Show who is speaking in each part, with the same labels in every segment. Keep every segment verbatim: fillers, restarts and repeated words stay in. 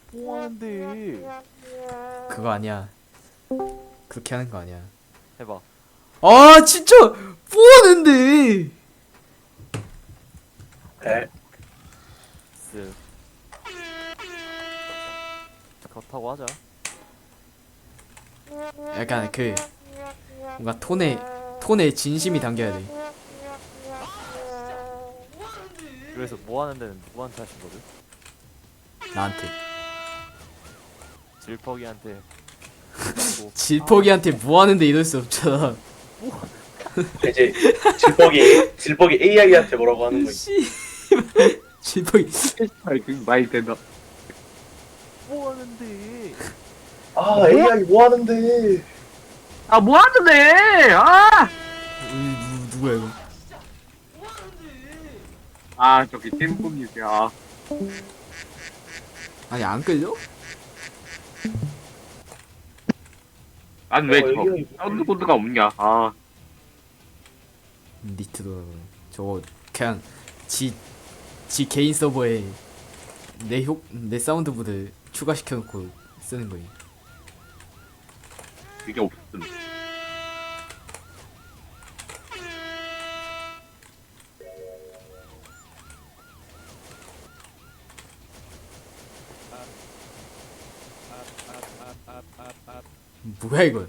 Speaker 1: 뭐 하는데?
Speaker 2: 그거 아니야. 그렇게 하는 거 아니야.
Speaker 1: 해봐.
Speaker 2: 아 진짜 뭐 하는데?
Speaker 3: 에?
Speaker 1: 쓱. 그렇다고 하자.
Speaker 2: 약간 그 뭔가 톤에 톤에 진심이 담겨야 돼.
Speaker 1: 그래서 뭐 하는 데는 누구한테 하신 거를?
Speaker 2: 나한테.
Speaker 1: 질퍽이한테. 뭐,
Speaker 2: 질퍽이한테 뭐 하는데 이럴 수 없잖아.
Speaker 3: 이제 질퍽이 질퍽이 에이아이한테 뭐라고 하는 거지.
Speaker 2: 씨. 질퍽이.
Speaker 4: 그 많이 된다.
Speaker 1: 뭐 하는데?
Speaker 3: 아 에이아이 뭐 하는데?
Speaker 4: 아, 뭐 하는데? 아!
Speaker 2: 누, 누구야 이거?
Speaker 4: 아, 저기 템포님이야.
Speaker 2: 아니 안 끌려?
Speaker 4: 난 왜
Speaker 3: 어,
Speaker 4: 저
Speaker 3: 에이아이
Speaker 4: 사운드 코드가 없냐? 아,
Speaker 2: 니트도 저거 그냥 지, 지 개인 서버에 내 효, 내 사운드보드 추가시켜놓고 쓰는 거임.
Speaker 4: 그게 없음.
Speaker 2: 뭐야 이거?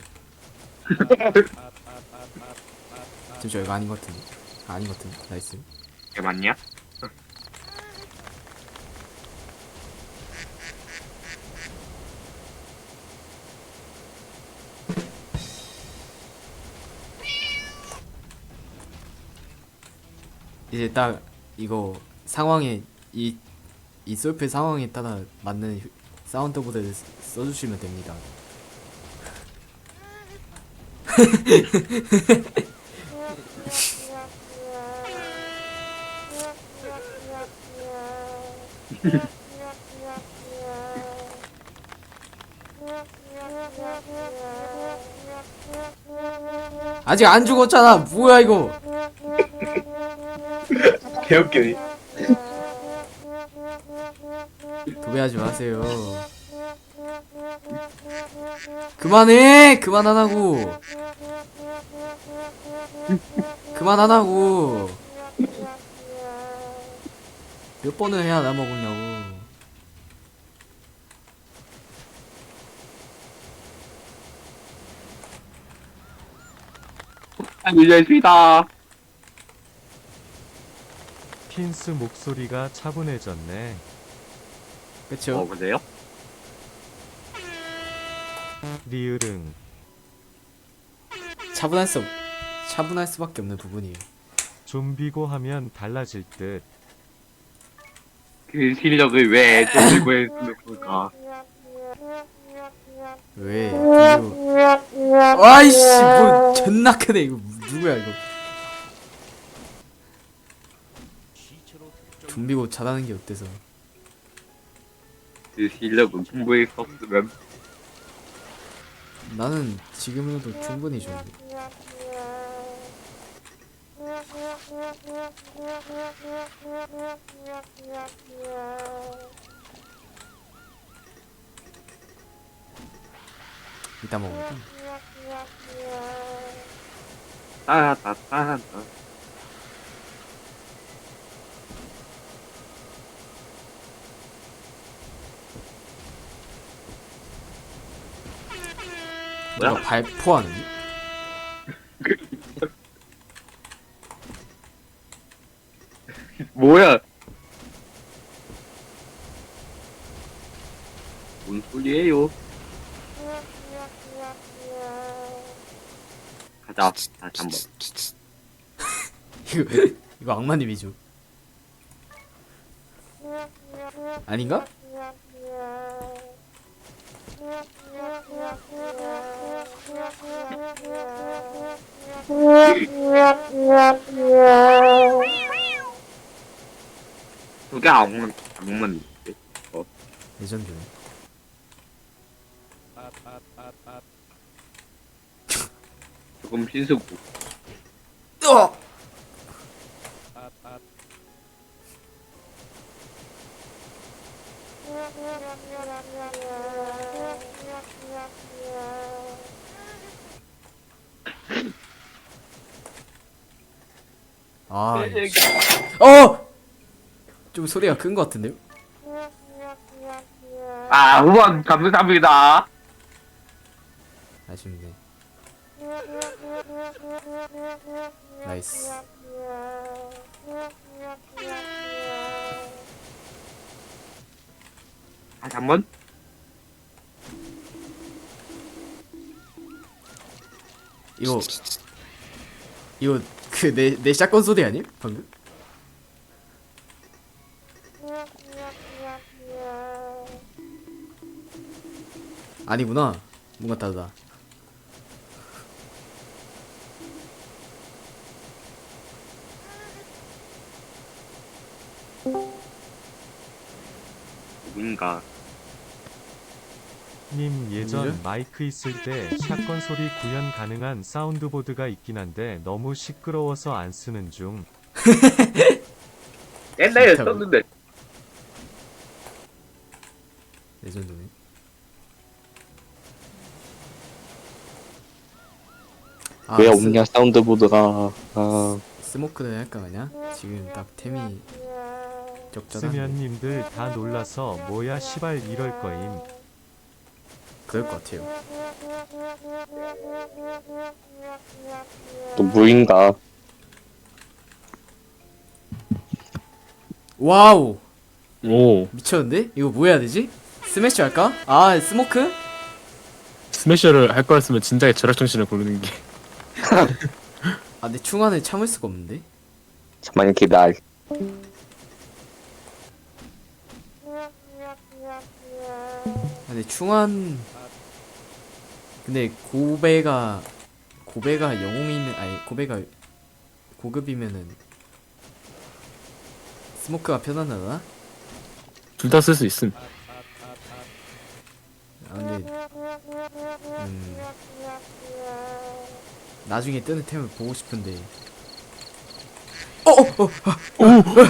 Speaker 2: 잠시만 이거 아닌 것 같은데. 아, 아닌 것 같은데. 나이스.
Speaker 4: 이게 맞냐?
Speaker 2: 이제 딱 이거 상황에 이, 이 솔플 상황에 따라 맞는 휴- 사운드보드를 쓰- 써주시면 됩니다. 아직 안 죽었잖아. 뭐야 이거?
Speaker 3: 개웃기네.
Speaker 2: 도배하지 마세요. 그만해! 그만 안 하고. 그만 안 하고. 몇 번을 해야 나 먹었냐고.
Speaker 4: 아, 밀려있습니다.
Speaker 5: 핀스 목소리가 차분해졌네.
Speaker 2: 그쵸?
Speaker 4: 어, 그래요?
Speaker 5: 리으릉.
Speaker 2: 차분할 수, 없- 차분할 수밖에 없는 부분이에요.
Speaker 5: 좀비고 하면 달라질 듯.
Speaker 4: 그 실력을 왜 돌리고 했으면 좋을까?
Speaker 2: 왜? 그리고 아이씨 뭐 존나 크네 이거. 누구야 이거? 좀비고 잘하는 게 어때서?
Speaker 4: 그 실력을 공부했었으면.
Speaker 2: 나는 지금으로도 충분히 좋은데. 이따 먹을게.
Speaker 4: 따따따따.
Speaker 2: 누가
Speaker 4: 뭐야?
Speaker 2: 발포하는?
Speaker 4: 뭐야? 뭔 소리예요? 가자, 다시 한번.
Speaker 2: 이거 이거 악마님이죠? 아닌가?
Speaker 4: 그게 악만, 악만. 어,
Speaker 2: 레전드네.
Speaker 4: 조금 신수고.
Speaker 2: 어! 아, 씨. 어! 좀 소리가 큰 것 같은데요?
Speaker 4: 아, 후원 감사합니다.
Speaker 2: 아쉽네. 나이스.
Speaker 4: 다시 한 번.
Speaker 2: 이거 이거 그 내 내 샷건 소리 아님? 방금? 아니구나. 뭔가 다르다.
Speaker 4: 누군가.
Speaker 5: 님 예전
Speaker 2: 뭐죠?
Speaker 5: 마이크 있을 때 샷건 소리 구현 가능한 사운드보드가 있긴 한데 너무 시끄러워서 안 쓰는 중.
Speaker 4: 옛날에
Speaker 2: 진짜로?
Speaker 4: 썼는데.
Speaker 2: 레전드네. 아,
Speaker 6: 왜
Speaker 2: 스-
Speaker 6: 없냐 사운드보드가. 아,
Speaker 2: 스모크를 할까 그냥? 지금 딱 템이 적절한.
Speaker 5: 스면님들 다 놀라서 뭐야 시발 이럴 거임.
Speaker 2: 그럴 것 같아요.
Speaker 6: 또 무인가.
Speaker 2: 와우,
Speaker 7: 오,
Speaker 2: 미쳤는데? 이거 뭐 해야 되지? 스매시 할까? 아, 스모크?
Speaker 7: 스매셔를 할 거였으면 진작에 절약정신을 고르는 게.
Speaker 2: 아, 근데 충안을 참을 수가 없는데?
Speaker 6: 잠깐만 기다려.
Speaker 2: 아, 근데 충안. 근데 고배가 고배가 영웅이면 아니 고배가 고급이면은 스모크가 편하나?
Speaker 7: 둘 다 쓸 수 있음.
Speaker 2: 아 근데 음 나중에 뜨는 템을 보고 싶은데. 어, 어, 어.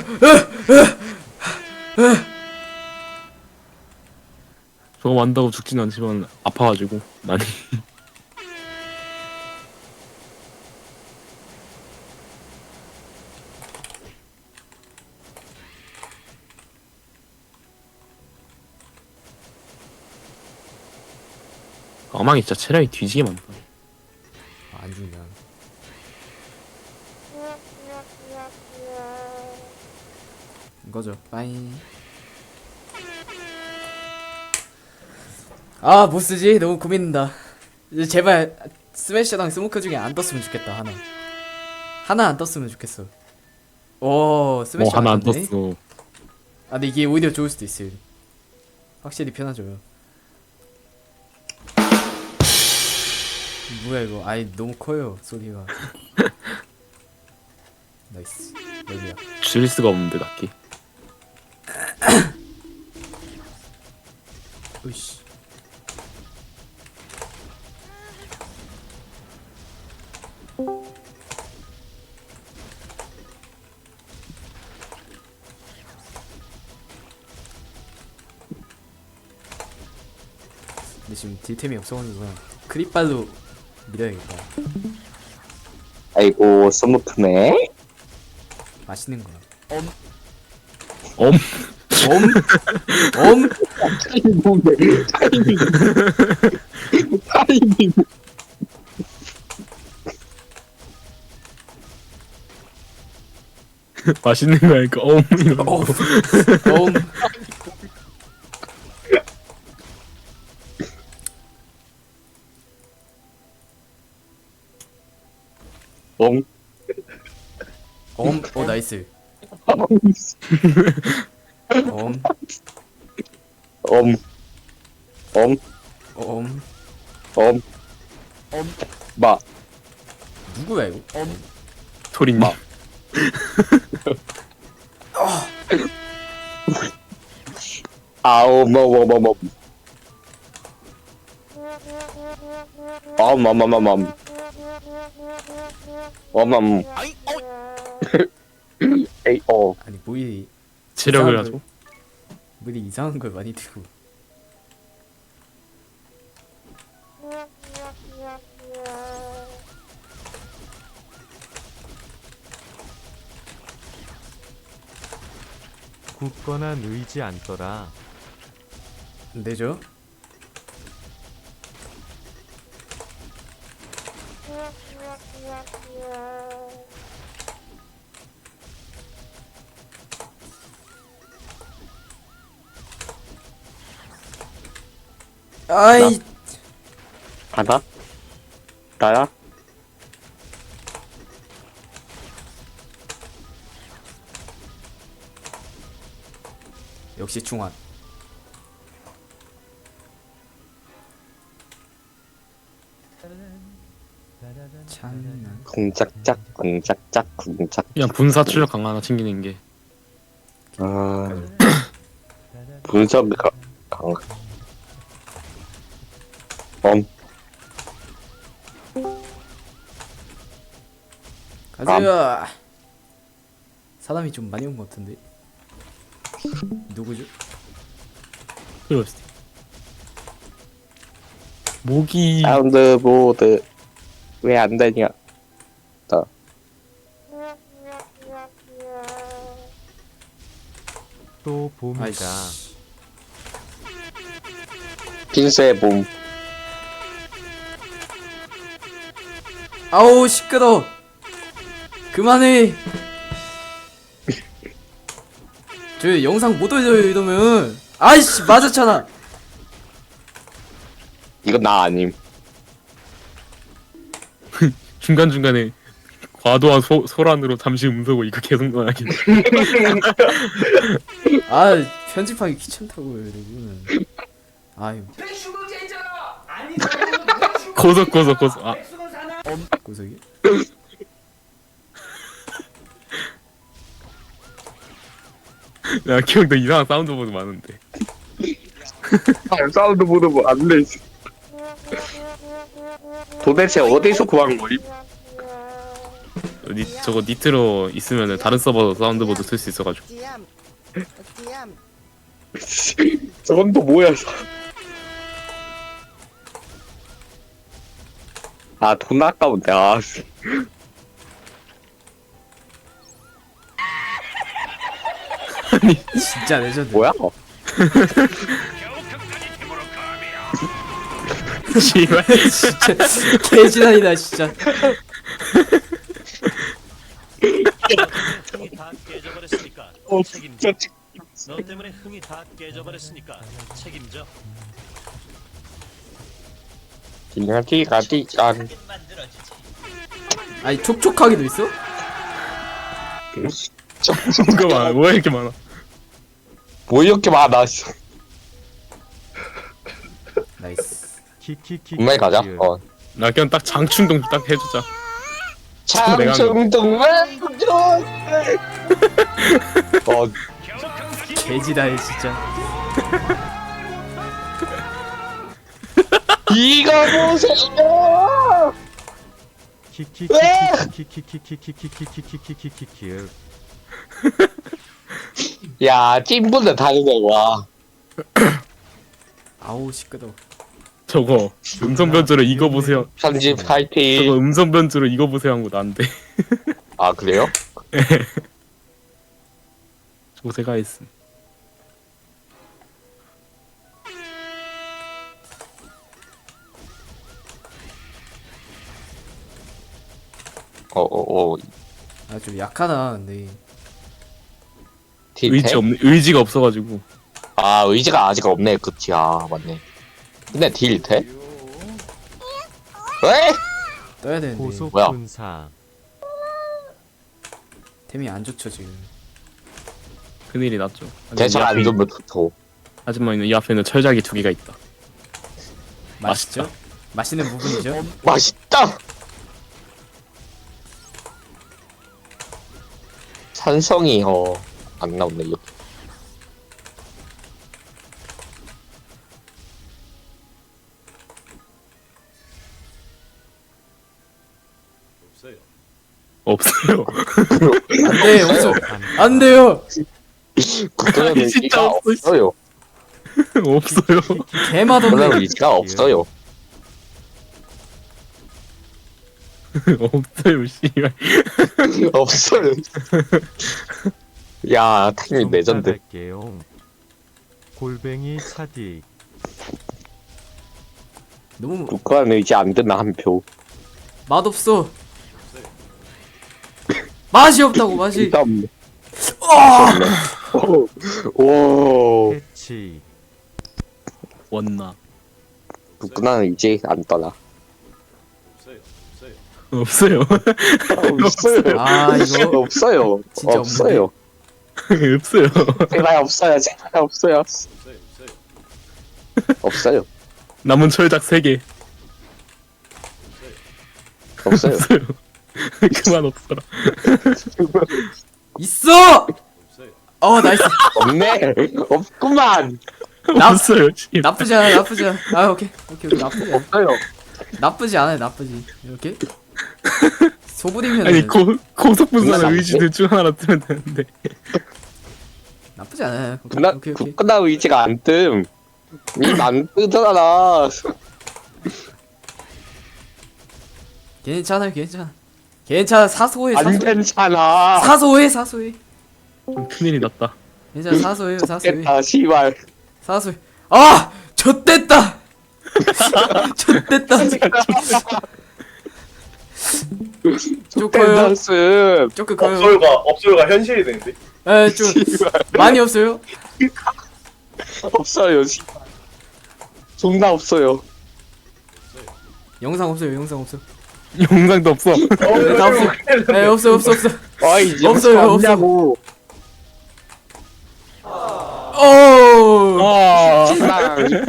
Speaker 7: 저거 만다고 죽진 않지만 아파가지고 많이. 아망이 진짜 체력이 뒤지게 많다.
Speaker 2: 아, 안 죽냐? 이거죠. 빠잉. 아, 뭐 쓰지? 너무 고민된다. 이제 제발 스매셔랑 스모크 중에 안 떴으면 좋겠다. 하나. 하나 안 떴으면 좋겠어. 오,
Speaker 7: 뭐
Speaker 2: 스매셔
Speaker 7: 하나 안
Speaker 2: 떴네?
Speaker 7: 떴어.
Speaker 2: 아, 근데 이게 오히려 좋을 수도 있어요. 확실히 편하죠. 뭐야 이거? 아이 너무 커요 소리가. 나이스. 여기야.
Speaker 7: 줄일 수가 없는데 딱히.
Speaker 2: 으이씨. 근데 지금 딜템이 없어가지고 그냥 크립발로 밀어야겠다.
Speaker 6: 아이고 스모크네.
Speaker 2: 맛있는 거야.
Speaker 7: 엄.
Speaker 2: 엄? 엄?
Speaker 6: 타이밍 타이밍 타이밍.
Speaker 7: 맛있는 거니까 엄 이러고.
Speaker 2: 엄? 엄?
Speaker 6: 엄.
Speaker 2: 엄? 어 나이스. 엄?
Speaker 6: 엄. 엄.
Speaker 2: 엄?
Speaker 6: 엄. 마.
Speaker 2: 누구야 이거?
Speaker 7: 토리님.
Speaker 6: 마. 아우 뭐뭐뭐뭐. 엄엄엄엄엄. 엄엄. 에이 어.
Speaker 2: 아니 뭐이
Speaker 7: 체력을
Speaker 2: 이상한
Speaker 7: 가지고.
Speaker 2: 뭐 이상한 걸 많이 들고.
Speaker 5: 굳거나 느이지 않더라.
Speaker 2: 내죠? 아이
Speaker 6: 하나? 나야?
Speaker 2: 역시 중환. 찬난.
Speaker 6: 궁짝짝 궁짝짝 궁짝.
Speaker 7: 그냥 분사 출력 강 하나 챙기는 게.
Speaker 6: 아 분석 강 강. 엄
Speaker 2: 가자. 사람이 좀 많이 온 것 같은데. 누구죠?
Speaker 7: 그럴 수도. 모기
Speaker 6: 사운드 보드 왜 안 되냐?
Speaker 5: 또 봄이다.
Speaker 2: 아이씨.
Speaker 6: 핀스의 봄.
Speaker 2: 아우 시끄러. 그만해. 저 영상 못 올려요 이러면. 아이씨 맞았잖아.
Speaker 6: 이건 나 아님.
Speaker 7: 중간 중간에 과도한 소, 소란으로 잠시 음소거 이거 계속 나가긴.
Speaker 2: 아 편집하기 귀찮다고요 여러분. 아유
Speaker 7: 고속 고속 고속. 아
Speaker 2: 고석이.
Speaker 7: 나 기억나 이상한 사운드 보드 많은데.
Speaker 6: 아, 사운드 보드 뭐안 돼. 도대체 어디서 구한 거임?
Speaker 7: 니, 저거 니트로 있으면은 다른 서버 사운드 보드 쓸 수 있어가지고.
Speaker 6: 저건 또 뭐야? 아, 돈 아까운데. 아, 씨.
Speaker 2: 진짜 레전드.
Speaker 6: 뭐야?
Speaker 7: 씨발.
Speaker 2: 진짜 개지랄이다 진짜.
Speaker 8: 흥이 다 깨져버렸으니까
Speaker 6: 어,
Speaker 8: 책임져.
Speaker 6: 진짜.
Speaker 8: 너 때문에 흥이 다 깨져버렸으니까 책임져.
Speaker 6: 기가디 가디 깐.
Speaker 2: 아니 촉촉하기도 있어?
Speaker 7: 뭐가 많아? 뭐야 이렇게 많아?
Speaker 6: 뭐 이렇게 많아? 씨.
Speaker 2: 나이스.
Speaker 5: 키키키.
Speaker 6: 분명히 가자. 어.
Speaker 7: 나 그냥 딱 장충동 딱 해주자. 내가
Speaker 6: 장충동만 어,
Speaker 2: 개지랄 진짜.
Speaker 6: 이거 보세요.
Speaker 5: 키키키키키키키키키키키키키키키키키.
Speaker 6: 야, 팀분들 다르네 와.
Speaker 2: 아우 시끄러.
Speaker 7: 저거 음성 변조로 이거 보세요.
Speaker 6: 편집
Speaker 7: 저거
Speaker 6: 파이팅.
Speaker 7: 음성 변조로 이거 보세요 한 거 난데.
Speaker 6: 아, 그래요?
Speaker 7: 저거 제가 했음.
Speaker 6: 어, 어, 어.
Speaker 2: 아 좀 약하다 근데.
Speaker 6: 딜
Speaker 7: 의지
Speaker 6: 돼?
Speaker 7: 없네. 의지가 없어가지고.
Speaker 6: 아, 의지가 아직 없네. 그치. 아, 맞네. 근데 딜 돼? 왜?
Speaker 2: 떠야 되는데
Speaker 5: 고속
Speaker 6: 뭐야?
Speaker 5: 분사.
Speaker 2: 템이 안 좋죠 지금.
Speaker 7: 큰일이 났죠. 근데
Speaker 6: 대처
Speaker 7: 이
Speaker 6: 안
Speaker 7: 앞에-
Speaker 6: 좋으면 좋죠.
Speaker 7: 하지만 이 앞에는 철작이 두 개가 있다.
Speaker 2: 맛있죠? 맛있는 부분이죠.
Speaker 6: 맛있다! 산성이, 어, 안 나오네, 이거.
Speaker 7: 없어요.
Speaker 2: 안돼 없어. 안 돼요.
Speaker 6: 그런
Speaker 7: 아니, 진짜
Speaker 6: 의지가
Speaker 7: 없어,
Speaker 6: 없어요.
Speaker 7: 없어요.
Speaker 2: 개맛없네.
Speaker 6: 그런 의지가 없어요.
Speaker 7: 없어요 씨발.
Speaker 6: 없어요. 야 탱님 레전드.
Speaker 5: 할게요. 골뱅이 차디.
Speaker 2: 너무
Speaker 6: 국가는 이제 안 되나 한 표.
Speaker 2: 맛없어. 맛이 없다고 맛이.
Speaker 6: 일단
Speaker 2: 아!
Speaker 6: 오, 오.
Speaker 5: 해치.
Speaker 7: 원나.
Speaker 6: 국가는 이제 안 떠나.
Speaker 7: 없어요.
Speaker 6: 없어요.
Speaker 2: 아 이거
Speaker 6: 없어요.
Speaker 2: 진짜
Speaker 6: 없어요.
Speaker 7: 없어요.
Speaker 6: 제발 없어요. 제발 없어요. 없어요.
Speaker 7: 남은 철작 세 개.
Speaker 6: 없어요.
Speaker 7: 없어요. 그만 없어라.
Speaker 2: 있어. 어 나이스.
Speaker 6: 없네. 없구만.
Speaker 2: 나-
Speaker 7: 없어요. 씨발.
Speaker 2: 나쁘지 않아 나쁘지 않아. 아 오케이 오케이 오케이 나쁘지 않아.
Speaker 6: 없어요.
Speaker 2: 나쁘지 않아요 나쁘지. 이렇게 소부리면
Speaker 7: 아니 고 고속분사는
Speaker 6: 끝나지
Speaker 7: 의지들 중 하나 뜨면 되는데.
Speaker 2: 나쁘지 않아요. 오케이
Speaker 6: 국가
Speaker 2: 오케이 오케이.
Speaker 6: 국가 의지가 안 뜸. 이안 뜨잖아.
Speaker 2: 괜찮아요 괜찮아. 괜찮아 사소해
Speaker 6: 안
Speaker 2: 사소.
Speaker 6: 괜찮아.
Speaker 2: 사소해 사소해.
Speaker 7: 좀 큰일이 났다.
Speaker 2: 괜찮아 사소해요 사소해.
Speaker 6: 됐다 시발.
Speaker 2: 사소해. 아 좆됐다. 좆됐다. 쪼커요.
Speaker 6: 댄스.
Speaker 2: 쪼크 커요.
Speaker 3: 업소요가 업소요가 현실이 되는데.
Speaker 2: 에좀 많이 없어요.
Speaker 6: 없어요. 시발. 존나 없어요.
Speaker 2: 영상 없어요 영상 없어.
Speaker 7: 영상도 없어.
Speaker 3: 어,
Speaker 2: 다 없어. 에 없어 없어 없어.
Speaker 6: 아이
Speaker 2: 없어요,
Speaker 6: 없냐고.
Speaker 2: 오.
Speaker 7: 아.
Speaker 6: 시발.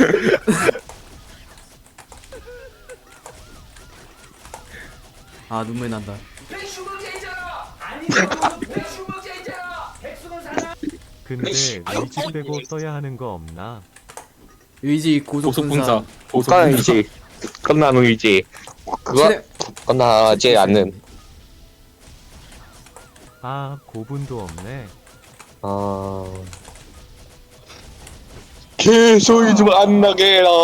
Speaker 2: 아 눈물 난다.
Speaker 5: 근데 의지 빼고 떠야 하는 거 없나?
Speaker 2: 의지 고속분사.
Speaker 7: 고속분사.
Speaker 6: 국가는
Speaker 7: 고속분사.
Speaker 6: 이제 끝난 의지. 그거
Speaker 2: 최대-
Speaker 6: 끝나지 않는.
Speaker 5: 아 고분도 없네.
Speaker 6: 아. 개소리 좀 안 나게 해라.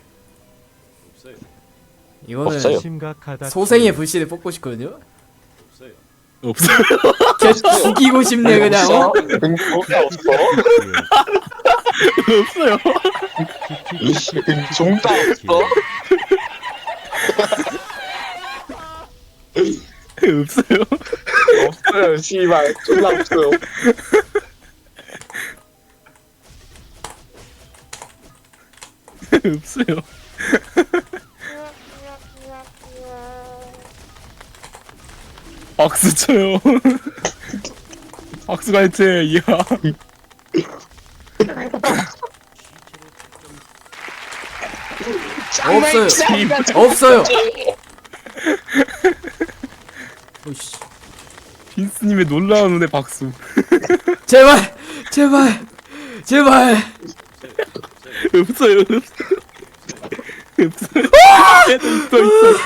Speaker 2: 이거는
Speaker 6: 없어요.
Speaker 5: 심각하다.
Speaker 2: 소생의 불씨를 뽑고 싶거든요.
Speaker 7: 없어요.
Speaker 2: 걔 죽이고 싶네 그냥. 어?
Speaker 6: 응, 뭐가 없어?
Speaker 7: 없어요.
Speaker 6: 종다 없어?
Speaker 7: 없어요.
Speaker 6: 없어요, 씨발. 존나 없어요.
Speaker 7: 없어요. 박수 쳐요. 박수가 해체. 이야.
Speaker 2: 없어요. 없어요. 오씨.
Speaker 7: 빈스님의 놀라운 눈의 박수.
Speaker 2: 제발 제발 제발.
Speaker 7: 없어요. 없어요. 없어요. 있어 있어.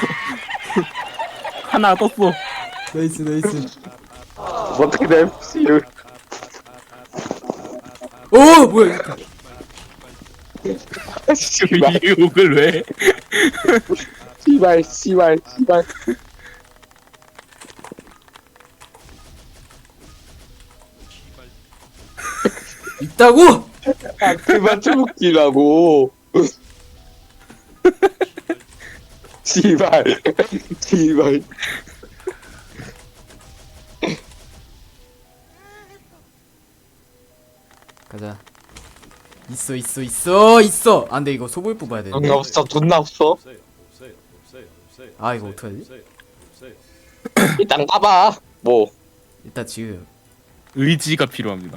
Speaker 7: 하나 떴어.
Speaker 2: 나이스 나이스.
Speaker 6: 어떻게 돼? 씨를.
Speaker 2: 오 뭐야?
Speaker 6: 씨발,
Speaker 7: 이 욕을 왜?
Speaker 6: 씨발, 씨발, 씨발.
Speaker 2: 있다고?
Speaker 6: 아, 그만 좀 웃기라고. 씨발, 씨발.
Speaker 2: 가자. 있어 있어 있어 있어. 안돼 이거 소불 뽑아야 돼.
Speaker 6: 돈 없어, 돈 없어.
Speaker 2: 아 이거 어떡하지?
Speaker 6: 일단 까봐. 뭐
Speaker 2: 일단 지금
Speaker 7: 의지가 필요합니다.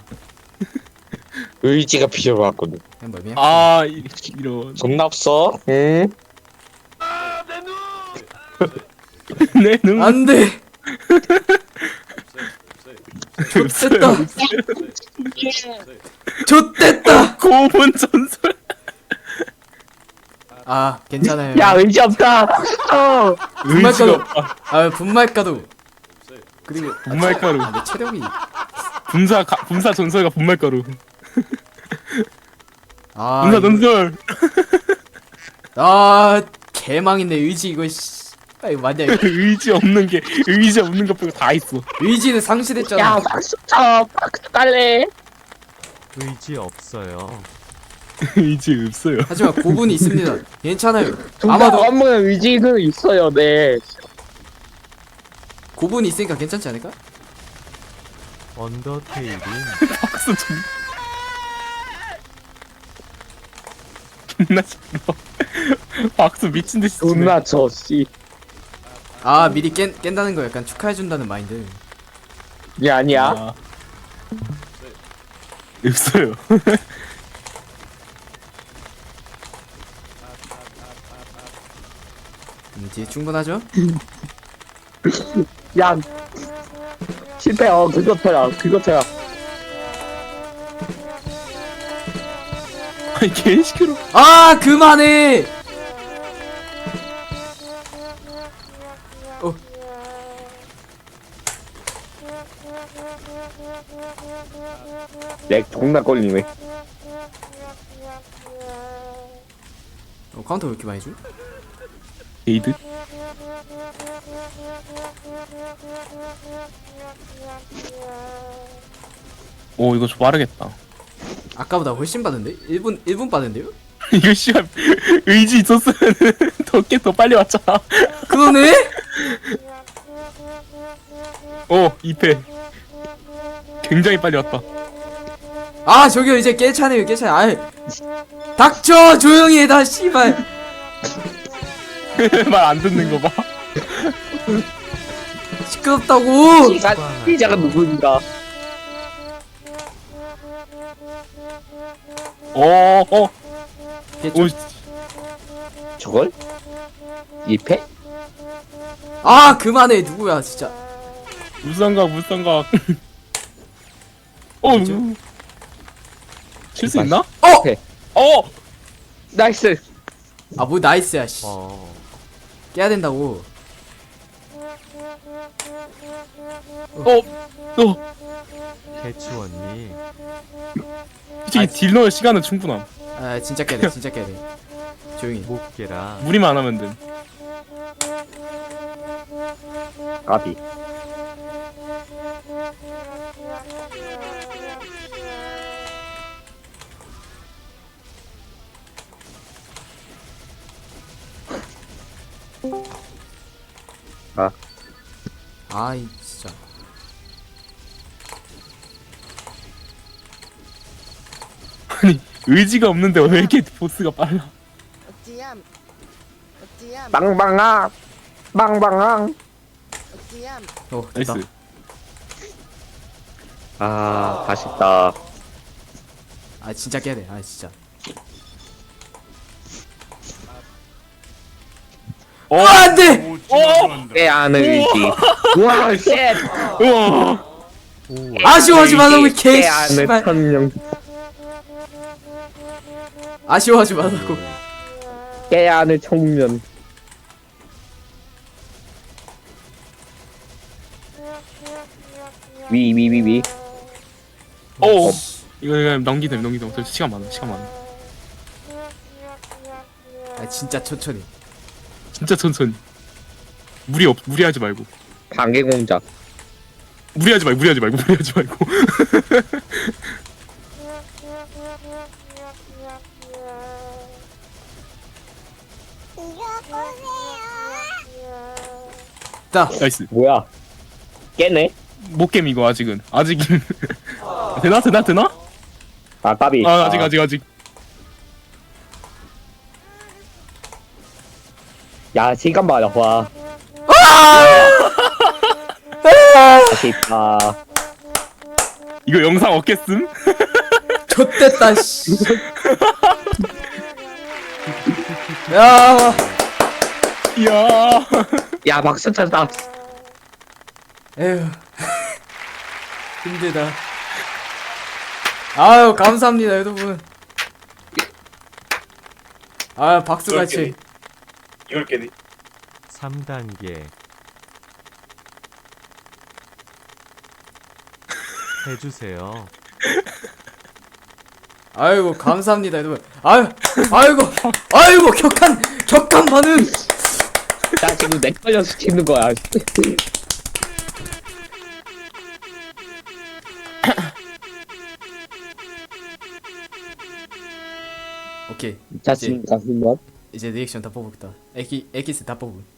Speaker 6: 의지가 필요하거든.
Speaker 2: 그냥 뭐 그냥
Speaker 7: 아 이- 이런.
Speaker 6: 존나 없어. 응?
Speaker 7: 내 눈.
Speaker 2: 안돼. 좆됐다. 좆됐다.
Speaker 7: 고분 전설.
Speaker 2: 아 괜찮아요.
Speaker 6: 야, 의지 없다. 어.
Speaker 7: 의지가
Speaker 2: 분말가루.
Speaker 7: 없다.
Speaker 2: 아 분말가루. 그리고
Speaker 7: 분말가루.
Speaker 2: 아, 내 체력이.
Speaker 7: 분사 가, 분사 전설과 분말가루.
Speaker 2: 아
Speaker 7: 분사
Speaker 2: 이거-
Speaker 7: 전설.
Speaker 2: 아 개망인데 의지 이거 씨. 아이 맞냐 이거.
Speaker 7: 의지 없는 게 의지 없는 것 빼고 다 있어.
Speaker 2: 의지는 상실했잖아.
Speaker 6: 야 박수 쳐 박수 깔래.
Speaker 5: 의지 없어요.
Speaker 7: 의지 없어요.
Speaker 2: 하지만 고분이 있습니다. 괜찮아요.
Speaker 6: 아마도
Speaker 2: 아마도
Speaker 6: 한 번은 의지는 있어요. 네.
Speaker 2: 고분이 있으니까 괜찮지 않을까?
Speaker 5: 언더테일인
Speaker 7: 박수 좀. 존나 싫어. 박수 미친 듯이 치네.
Speaker 6: 존나 저 씨.
Speaker 2: 아 미리 깬, 깬다는 거 약간 축하해준다는 마인드.
Speaker 6: 이게 아니야.
Speaker 7: 아. 없어요.
Speaker 2: 음, 뒤에 충분하죠?
Speaker 6: 야. 실패. 어 그거 펴라. 그거 펴라.
Speaker 7: 아니 개시끄러.
Speaker 2: 아 그만해. 어
Speaker 6: 렉 존나 걸리네.
Speaker 2: 어, 카운터 왜 이렇게 많이 줘?
Speaker 7: 에이드. 오 이거 좀 빠르겠다.
Speaker 2: 아까보다 훨씬 빠른데? 일 분 일 분 빠른데요?
Speaker 7: 이거 씨발 의지 있었으면 더깨 더 빨리 왔잖아.
Speaker 2: 그러네?
Speaker 7: 오 이 패. 굉장히 빨리 왔다.
Speaker 2: 아 저기요 이제 깰 차네요 깰 차네. 아이 닥쳐 조용히 해다 씨발.
Speaker 7: 말 안 듣는 거 봐.
Speaker 2: 시끄럽다고.
Speaker 6: 시작. 시작은 누구인가?
Speaker 7: 어 어.
Speaker 2: 깼죠?
Speaker 7: 오
Speaker 6: 저걸? 이 패?
Speaker 2: 아 그만해 누구야 진짜.
Speaker 7: 물상각 물상각. 어. 칠 수 있나?
Speaker 2: 어!
Speaker 6: 오케이.
Speaker 7: 어.
Speaker 6: 나이스.
Speaker 2: 아 뭐 나이스야 씨.
Speaker 5: 어
Speaker 2: 깨야 된다고.
Speaker 7: 어. 어.
Speaker 5: 캐치원님
Speaker 7: 솔직히 딜 넣을 시간은 충분함.
Speaker 2: 아 진짜 깨야 돼 진짜 깨야 돼. 조용히.
Speaker 5: 못 깨라.
Speaker 7: 무리만 안 하면 돼.
Speaker 6: 까비. 아.
Speaker 2: 아이 진짜.
Speaker 7: 아니 의지가 없는데 왜 이렇게 보스가 빨라?
Speaker 9: 어찌암 어찌암
Speaker 6: 빵빵아. 빵빵아.
Speaker 9: 어찌암
Speaker 2: 어 됐다.
Speaker 7: 나이스.
Speaker 6: 아, 아쉽다.
Speaker 2: 아 진짜 깨야 돼. 아 진짜.
Speaker 7: 어.
Speaker 2: 아 안돼.
Speaker 6: 꽤 아는 의지. 우와, 쉣.
Speaker 7: 우와.
Speaker 2: 아쉬워하지 말라고 이 개.
Speaker 6: 꽤 아는
Speaker 2: 씨발.
Speaker 6: 천명.
Speaker 2: 아쉬워하지 말라고.
Speaker 6: 꽤 아는 청면. 위, 위, 위, 위.
Speaker 7: 어. 이거 그냥 넘기자 넘기자. 저 시간 많아 시간 많아.
Speaker 2: 아 진짜 천천히.
Speaker 7: 진짜 천천히. 무리 없 무리하지 말고.
Speaker 6: 방개공작.
Speaker 7: 무리하지 말고 무리하지 말고 무리하지 말고.
Speaker 2: 자
Speaker 7: 나이스.
Speaker 6: 뭐야? 깨네?
Speaker 7: 못 깨면 이거 아직은 아직은. 되나 되나 되나?
Speaker 6: 아, 까비.
Speaker 7: 아 아직 아직 아직.
Speaker 6: 야, 시간 봐라, 와. 아쉽다.
Speaker 7: 이거 영상 없겠음?
Speaker 2: 좆됐다 씨. 야
Speaker 7: 이야.
Speaker 6: 야, 박수 쳤다.
Speaker 2: 에휴 힘들다. 아유 감사합니다 여러분. 아 박수같이.
Speaker 3: 이걸 깨니?
Speaker 5: 삼 단계 해주세요.
Speaker 2: 아이고 감사합니다 여러분. 아유 아이고 아이고 격한 격한 반응.
Speaker 6: 나 지금 내 걸려 시키는 거야.
Speaker 2: 오케이.
Speaker 6: 자, 지금 가슴 뭐?
Speaker 2: 이제 리액션 다 뽑을다. 에키 에키스 다 뽑음.